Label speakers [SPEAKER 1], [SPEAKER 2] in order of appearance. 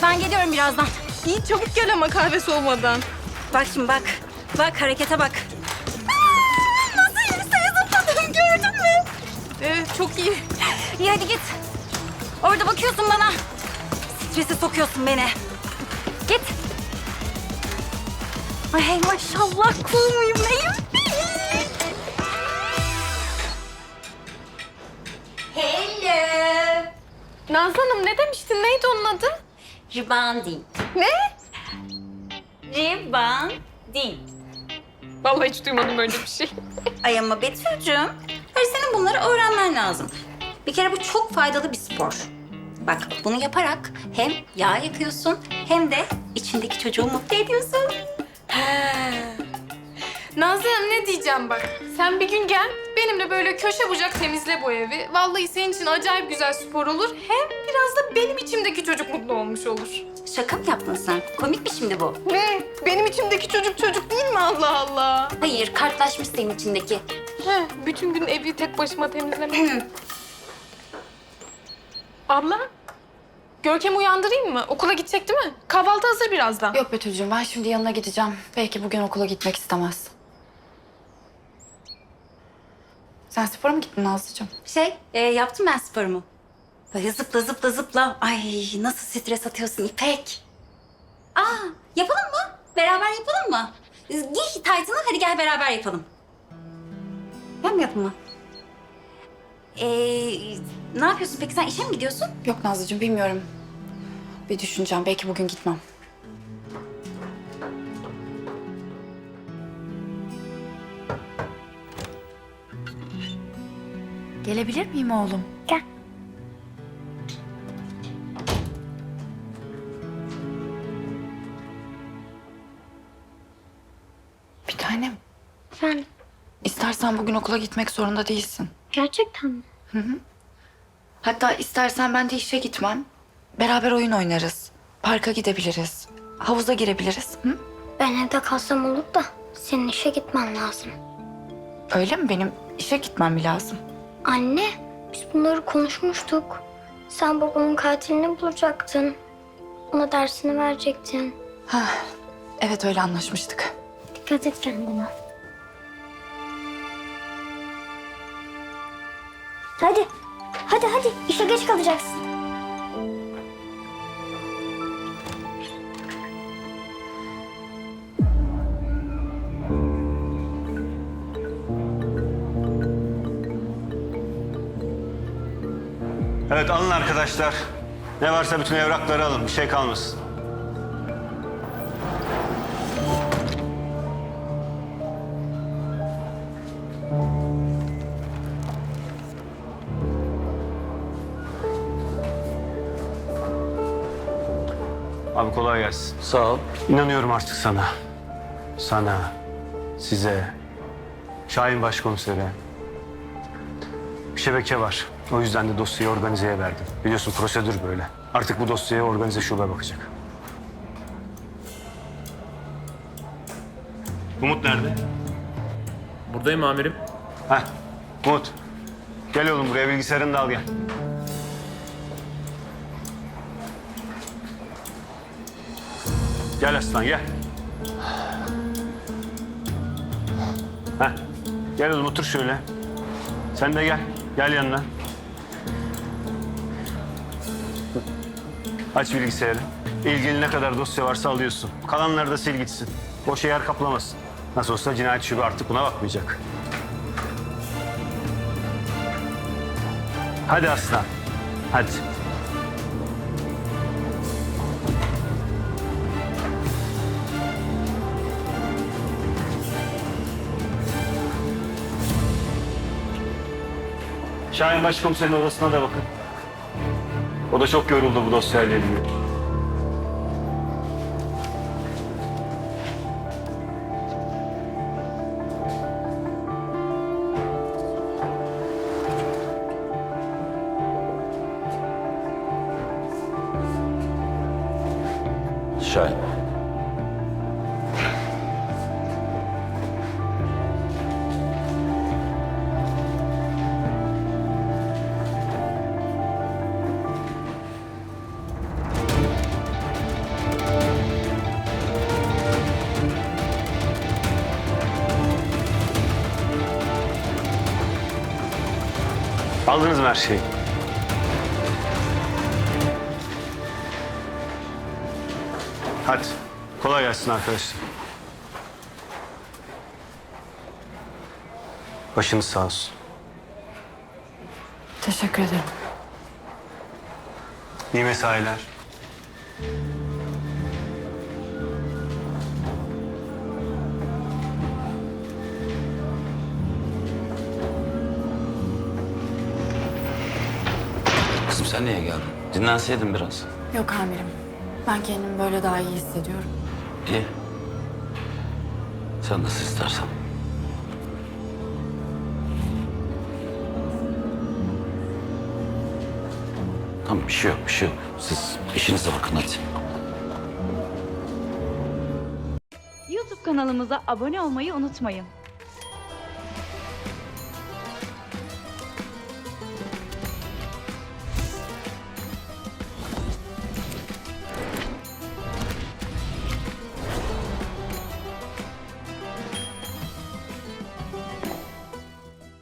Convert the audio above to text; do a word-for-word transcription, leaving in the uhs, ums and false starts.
[SPEAKER 1] Ben geliyorum birazdan.
[SPEAKER 2] İyi çabuk gel ama kahve soğumadan.
[SPEAKER 1] Bak şimdi bak. Bak harekete bak. Aa, nasıl yükseğe zıpladım gördün mü?
[SPEAKER 2] Evet çok iyi.
[SPEAKER 1] İyi hadi git. Orada bakıyorsun bana. Strese sokuyorsun beni. Git. Ay hey, maşallah cool muyum neyim? Hello.
[SPEAKER 2] Nazlı Hanım ne demiştin? Neydi onun adı?
[SPEAKER 1] Ribanding.
[SPEAKER 2] Ne?
[SPEAKER 1] Ribanding.
[SPEAKER 2] Vallahi hiç duymadım böyle bir şey.
[SPEAKER 1] Ay ama Betül'cüğüm, hayır senin bunları öğrenmen lazım. Bir kere bu çok faydalı bir spor. Bak bunu yaparak hem yağ yakıyorsun hem de içindeki çocuğu mutlu ediyorsun.
[SPEAKER 2] Nazlı Hanım ne diyeceğim bak. Sen bir gün gel benimle böyle köşe bucak temizle bu evi. Vallahi senin için acayip güzel spor olur. Hem biraz da benim içimdeki çocuk mutlu olmuş olur.
[SPEAKER 1] Şaka mı yaptın sen? Komik mi şimdi bu?
[SPEAKER 2] Ne? Benim içimdeki çocuk çocuk değil mi Allah Allah?
[SPEAKER 1] Hayır, kartlaşmış senin içindeki.
[SPEAKER 2] He, bütün gün evi tek başıma temizlemek. Abla, Görkem'i uyandırayım mı? Okula gidecek değil mi? Kahvaltı hazır birazdan.
[SPEAKER 3] Yok Betül'cüğüm ben şimdi yanına gideceğim. Belki bugün okula gitmek istemez. Sen spora mı gittin Nazlıcığım?
[SPEAKER 1] Şey, e, yaptım ben sporumu. Böyle zıpla zıpla zıpla. Ay nasıl stres atıyorsun İpek. Aa, yapalım mı? Beraber yapalım mı? Giy taytını, hadi gel beraber yapalım. Ben mi yapayım mı? Ee, ne yapıyorsun peki? Sen işe mi gidiyorsun?
[SPEAKER 3] Yok Nazlıcığım bilmiyorum. Bir düşüneceğim. Belki bugün gitmem. Gelebilir miyim oğlum?
[SPEAKER 1] Gel.
[SPEAKER 3] Bir tanem.
[SPEAKER 4] Efendim,
[SPEAKER 3] İstersen bugün okula gitmek zorunda değilsin.
[SPEAKER 4] gerçekten mi?
[SPEAKER 3] Hatta istersen ben de işe gitmem. Beraber oyun oynarız. Parka gidebiliriz. Havuza girebiliriz. Hı?
[SPEAKER 4] Ben evde kalsam olur da senin işe gitmen lazım.
[SPEAKER 3] Öyle mi? Benim işe gitmem mi lazım?
[SPEAKER 4] Anne, biz bunları konuşmuştuk. Sen babamın katilini bulacaktın. Ona dersini verecektin.
[SPEAKER 3] Ha, evet öyle anlaşmıştık.
[SPEAKER 4] Dikkat et kendine. Hadi, hadi hadi. İşe geç kalacaksın.
[SPEAKER 5] Evet alın arkadaşlar. Ne varsa bütün evrakları alın. Bir şey kalmasın. Abi kolay gelsin.
[SPEAKER 6] Sağ ol.
[SPEAKER 5] İnanıyorum artık sana. Sana, size, Şahin Başkomisere. Bir şebeke var. O yüzden de dosyayı organizeye verdim. Biliyorsun prosedür böyle. Artık bu dosyaya organize şube bakacak. Umut nerede?
[SPEAKER 6] Buradayım amirim.
[SPEAKER 5] Heh, Umut. Gel oğlum buraya bilgisayarını da al gel. Gel aslan gel. Heh. Gel oğlum otur şöyle. Sen de gel. Gel yanına. Aç bilgisayarı. İlgili ne kadar dosya varsa alıyorsun. Kalanları da sil gitsin. Boş yer kaplamasın. Nasıl olsa cinayet şube artık buna bakmayacak. Hadi aslan. Hadi. Şahin Başkomiserin odasına da bakın. O da çok yoruldu bu dosyayla ilgili.
[SPEAKER 6] Şahin.
[SPEAKER 5] Aldınız mı her şeyi? Hadi. Kolay gelsin arkadaşlar. Başınız sağ olsun.
[SPEAKER 3] Teşekkür ederim.
[SPEAKER 5] İyi mesailer.
[SPEAKER 7] Kızım sen niye geldin? Dinlenseydin biraz.
[SPEAKER 3] Yok amirim. Ben kendimi böyle daha iyi hissediyorum.
[SPEAKER 7] İyi. Sen nasıl istersen. Tamam bir şey yok, bir şey yok. Siz işinize bakın hadi.
[SPEAKER 8] YouTube kanalımıza abone olmayı unutmayın.